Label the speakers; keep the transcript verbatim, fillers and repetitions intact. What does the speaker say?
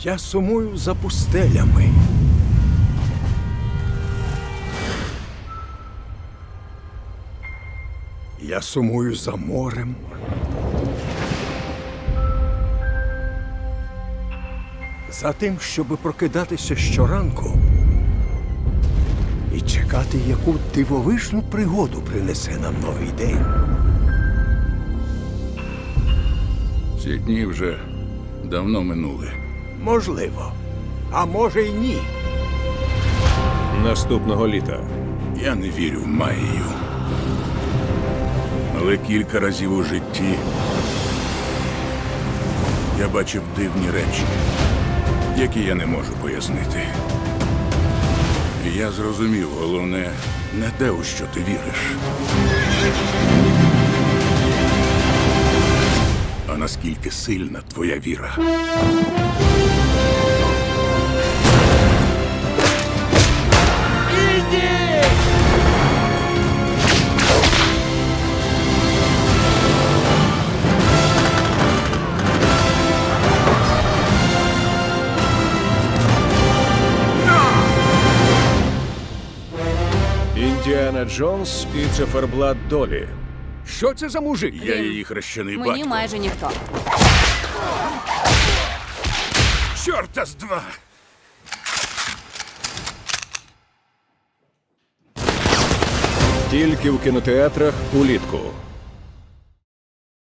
Speaker 1: Я сумую за пустелями. Я сумую за морем. За тим, щоби прокидатися щоранку і чекати, яку дивовижну пригоду принесе нам новий день.
Speaker 2: Ці дні вже давно минули.
Speaker 1: Можливо. А може й ні.
Speaker 3: Наступного літа.
Speaker 2: Я не вірю в магію. Але кілька разів у житті я бачив дивні речі, які я не можу пояснити. І я зрозумів, головне, не те, у що ти віриш, а наскільки сильна твоя віра.
Speaker 3: Індіана Джонс і циферблат долі.
Speaker 1: Що це за мужик?
Speaker 2: Я її хрещений
Speaker 4: Мені
Speaker 2: батько.
Speaker 4: майже ніхто.
Speaker 2: Чорта з два!
Speaker 3: Тільки в кінотеатрах улітку.